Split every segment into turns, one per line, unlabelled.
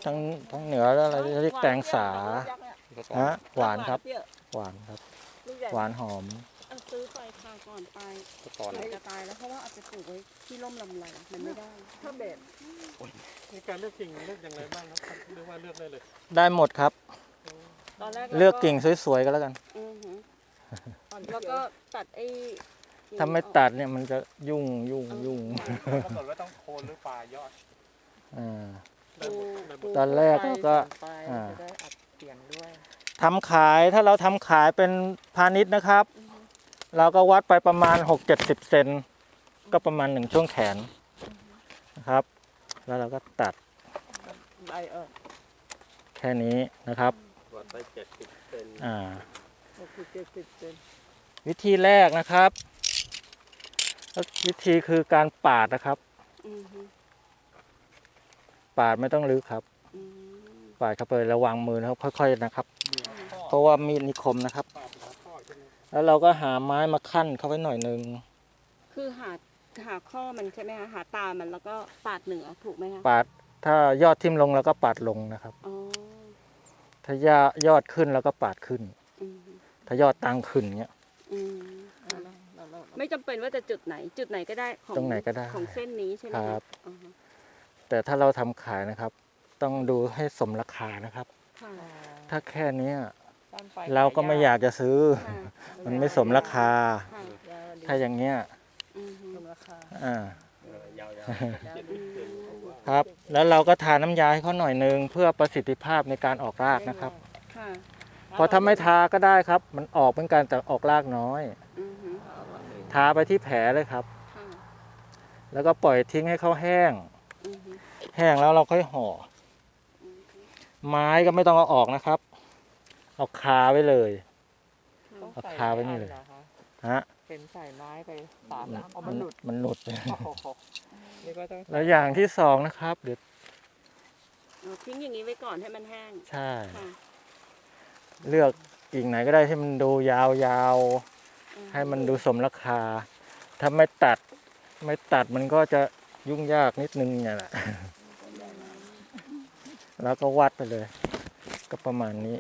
ทั้งเหนือแล้วอะไรเรียกแตงสาฮะหวานครับหวานครับหวานหอม
ซื้อไปคราวก่อนไปจะตายแล้วเพราะว่าเอาไปปลูกไว้ที่ร่มลำไรมันไม่ได้ถ้าเบ็ด
ในการเลือกกิ่งเลือกอย่างไรบ้างครับเรียกว่าเลือกได้เลย
ได้หมดครับ
ตอนแรก
เลือกกิ่งสวยๆก็แล้วกัน
แล้วก็ตัดไอ้
ถ้าไม่ตัดเนี่ยมันจะยุ่ง
กำหนดว่าต้องโคนหรือปลายอด
ตอนแรกก็ทำขายถ้าเราทำขายเป็นพาณิชย์นะครับเราก็วัดไปประมาณ 6-70 เซนก็ประมาณ1ช่วงแขนนะครับแล้วเราก็ตัดแค่นี้นะครับ
วัดไป70 เซน
60-70 เซน
วิธีแรกนะครับวิธีคือการปาดนะครับปาดไม่ต้องลึกครับปาดเข้าไประวังมือนะครับค่อยๆนะครับเพราะว่ามีดนิคมนะครับแล้วเราก็หาไม้มาคั่นเข้าไว้หน่อยนึง
คือหาข้อมันใช่ไหมคะหาตามันแล้วก็ปาดเหนือถูกไหมคะ
ปาดถ้ายอดทิ่มลงแล้วก็ปาดลงนะครับถ้ายอดขึ้นแล้วก็ปาดขึ้นถ้ายอดตั้งขึ้นเงี้ย
ไม่จำเป็นว่าจะจุดไหนก็ได้
ตรงไหนก็ได้
ของเส้นนี้ใช่ไหม
ครับแต่ถ้าเราทำขายนะครับต้องดูให้สมราคานะครับถ้าแค่นี้เราก็ไม่อยากจะซื้อมันไม่สมราคาถ้าอย่างเงี้ยครับแล้วเราก็ทาน้ำยาให้เขาหน่อยนึงเพื่อประสิทธิภาพในการออกรากนะครับพอถ้าไม่ทาก็ได้ครับมันออกเหมือนกันแต่ออกรากน้อยทาไปที่แผลเลยครับแล้วก็ปล่อยทิ้งให้เขาแห้งแล้วเราค่อยห่อไม้ก็ไม่ต้องเอาออกนะครับเอาคาไว้เลยเอาคาไว้นี่เลยฮะ
เป็นใส่ไม้ไป3 น้ำ
มันหลุดแล้วอย่างที่สองนะครับเดี๋ยว
ทิ้งอย่างนี้ไว้ก่อนให้มันแห้ง
ใช่เลือกกิ่งไหนก็ได้ให้มันดูยาวๆให้มันดูสมราคาถ้าไม่ตัดมันก็จะยุ่งยากนิดนึงเนี่ยแหละแล้วก็วัดไปเลยก็ประมาณนี้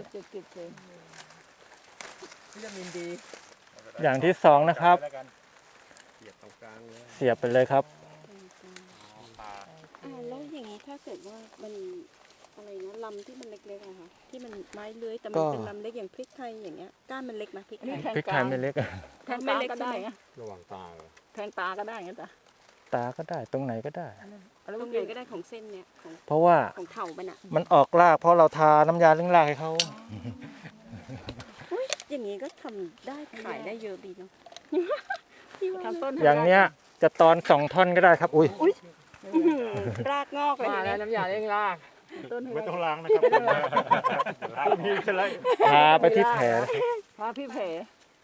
อย่างที่สองนะครับเสียบไปเลยครับ
แล้วอย่างนี้ถ้าเกิดว่ามันอะไรนะลำที่มันเล็กๆอะค่ะที่มันไม้เลื้อยแต่มันเป็นลำเล็กอย่างพริกไทยอย่างเงี้ยก้านมันเล็กไหมพริก
ไทยไม่เล็ก
แทงไม่เล็กก็ได้
ระหว่างตา
แทงตาก็ได้งั้นจ้ะ
ตาก็ได้ตรงไหนก็ได้
ตรงไหนก็ได้ของเส้นเนี้ย
เพราะว่า
ของเข่า
มันออกรากเพราะเราทาน้ำยาเลี้ยงรากให้เขา
อย่างนี้ก็ทำได้ขายได้เยอะดีเนาะ
อย่างเนี้ยจะตอน2 ท่อนก็ได้ครับอุ้ย
รากงอกเลย
แล้วน้ำยาเลี้ยงราก
ไม่ต้องล้างนะครับมีอะไร
ทาไปที่แผล
ทาที่แผล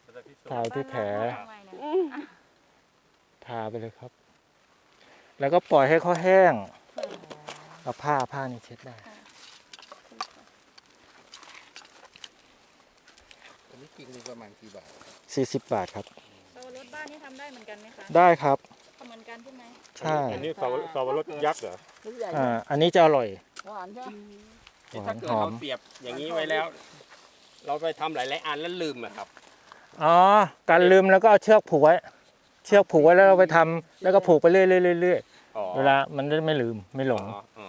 ทาไปเลยครับแล้วก็ปล่อยให้เขาแห้งเอาผ้านี่เช็ดได้
อันนี้กิ่งนึงประมาณกี่บาท
40 บาทครับ
รถบ้านนี่ทำได้เหมือนกันไหมคะ
ได้ครับ
เหมือนกันใช่ไหม
ใช่
อันนี้สวรสยักษ์เหรอ
อันนี้จะอร่อย
หวานใช่
ไหมถ้าเกิดเราเสียบอย่างนี้ไว้แล้วเราไปทำหลายๆอันแล้วลืมอะครับ
การลืมแล้วก็เอาเชือกผูกไว้แล้วเราไปทำแล้วก็ผูกไปเรื่อยเวลามันจะไม่ลืมไม่หลง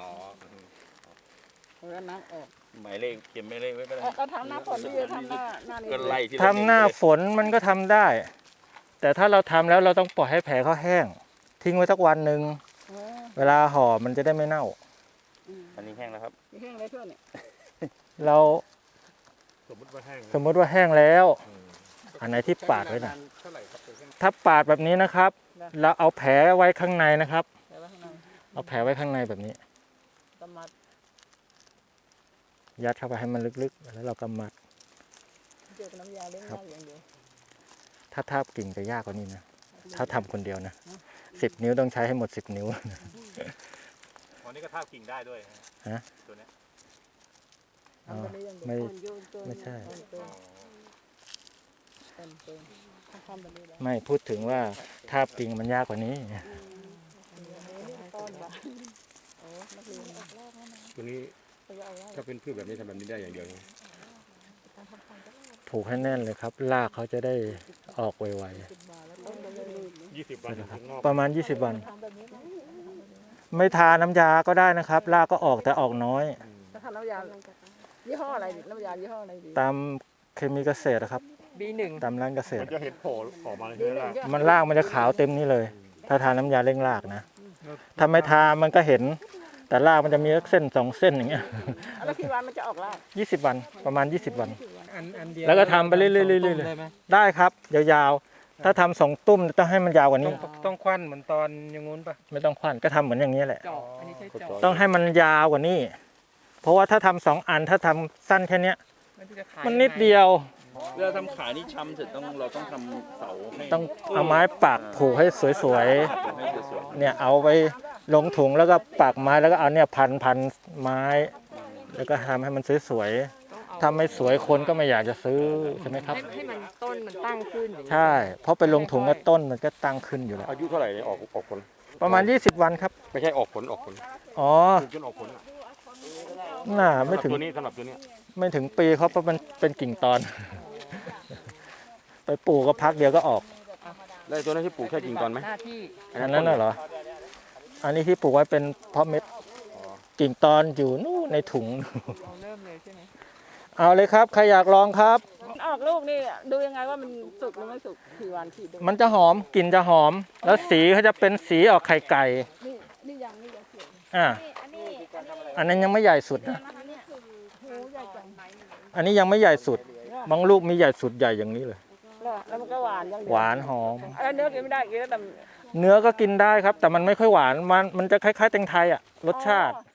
แล้วน้ำออก
หมายเลขเขียนหมายเลขไว้ก็ได้
ก็ทำหน้าฝนที่ทำหน้า
ทำหน้าฝนมันก็ทำได้แต่ถ้าเราทำแล้วเราต้องปล่อยให้แผลเขาแห้งทิ้งไว้สักวันหนึ่งเวลาห่อมันจะได้ไม่เน่า
อันนี้แห้งแล้วครับ
แห้งเลยเพื่อนเนี่ย
เราสมมติว่าแห้งแล้วอันไหนที่ปาดไว้นะถ้าปาดแบบนี้นะครับเราเอาแผลไว้ข้างในนะครับเอาแผลไว้ข้างในแบบนี้ยัดเข้าไปให้มันลึกๆแล้วเราก็มัดถ้าทาบกิ่งจะยากกว่านี้นะถ้าทำคนเดียวนะ10 นิ้วต้องใช้ให้หมด10 นิ้ว
วันนี้ก็ทาบกิ่งได้ด้วย
ฮะ
ตัวนี้
ไม่ใช่ไม่พูดถึงว่าทาบกิ่งมันยากกว่านี้
ตัวนี้ถ้าเป็นพืชแบบนี้ทำแบบนี้ได้อย่างเดียว
ผูกให้แน่นเลยครับรากเขาจะได้ออกไว
20 วันถึงงอก
ๆประมาณ 20 วัน ไม่ทาน้ำยาก็ได้นะครับรากก็ออกแต่ออกน้อย
ถ้าทำน้ำยายี่ห้ออะไรดิน้ำยายี่ห้ออะไรดี
ตามเคมีเกษตรนะครับ
B1
ตามร้านเกษต
มั
ร
นจะเห็นโผล่ออกมาเลยใช่ไหมล่ะ
มันรากมันจะขาวเต็มนี่เลย ถ้าทาน้ำยาเร่งรากนะถ้าไม่ทามันก็เห็น แต่รากมันจะมีเส้น2เส้นอย่างเงี้ย
แล้วกี่วันมันจะออกราก
20 วันประมาณ 20 วัน
อันเดียว
แล้วก็ทำไปเรื่อยๆเรื่อยๆ
ได้ไหม
ได้ครับยาวๆถ้าทำ2 ตุ้มต้องให้มันยาวกว่านี้
ต้องควันเหมือนตอนอย่างงู้นปะ
ไม่ต้องควันก็ทำเหมือนอย่างนี้แหละ
จอกอันนี้ใช้จอก
ต้องให้มันยาวกว่านี้ เพราะว่าถ้าทำ2 อันถ้าทำสั้นแค่เนี้ย
มันจะขาย
มันนิดเดียว
เวลาทำขายนี่ช้ำเสร็จเราต้องทำเสาให้
ต้องเอาไม้ปักผูกให้สวย
ให้สวย
ๆเนี่ยเอาไปลงถุงแล้วก็ปักไม้แล้วก็เอาเนี่ยพันไม้ แล้วก็ทำให้มันสวยๆถ้าไม่สวยคนก็ไม่อยากจะซื้อใช่ไหมครับ
ให้มันต้นมันตั้งขึ้นอย่างนี้
ใช่ เพราะไปลงถุงก็ต้นมันก็ตั้งขึ้นอยู่แล้ว
อายุเท่าไหร่เนี่ยออกผล
ประมาณ 20 วันครับ
ไม่ใช่ออกผล
อ๋อ
ปลูกจนออกผลอะ
น่าไม่ถึง
ตัวนี้สำหรับตัวนี้
ไม่ถึงปีเขาเพราะมันเป็นกิ่งตอน ไปปลูกก็พักเดียวก็ออก
แล้วตัวนั้นที่ปลูกแค่กิ่งตอนไหม
หน้าที่
อันนั้นน่ะเหรอ อันนี้ที่ปลูกไว้เป็นเพาะเม็ดกิ่งตอนอยู่นู่นในถุง
เราเริ่มเลยใช่ไหม
เอาเลยครับใครอยากลองครับ
ออกลูกนี่ดูยังไงว่ามันสุกหรือไม่สุกกี่วันกี่เดือน
มันจะหอมกลิ่นจะหอม แล้วสีเขาจะเป็นสีออกไข่ไก่
นี่ยังเขียว
อ่าอันนั้นยังไม่ใหญ่สุดนะ อันนี้ยังไม่ใหญ่สุด บางลูกมีใหญ่สุดใหญ่อย่างนี้เลย
แล้วมันก็หวานยังเดียว
หวานหอม
เนื้อกินไม่ได้กินแล้วแต่
เนื้อก็กินได้ครับ แต่มันไม่ค่อยหวาน มันจะคล้ายๆแตงไทยอ่ะรสชาติ
อ๋อ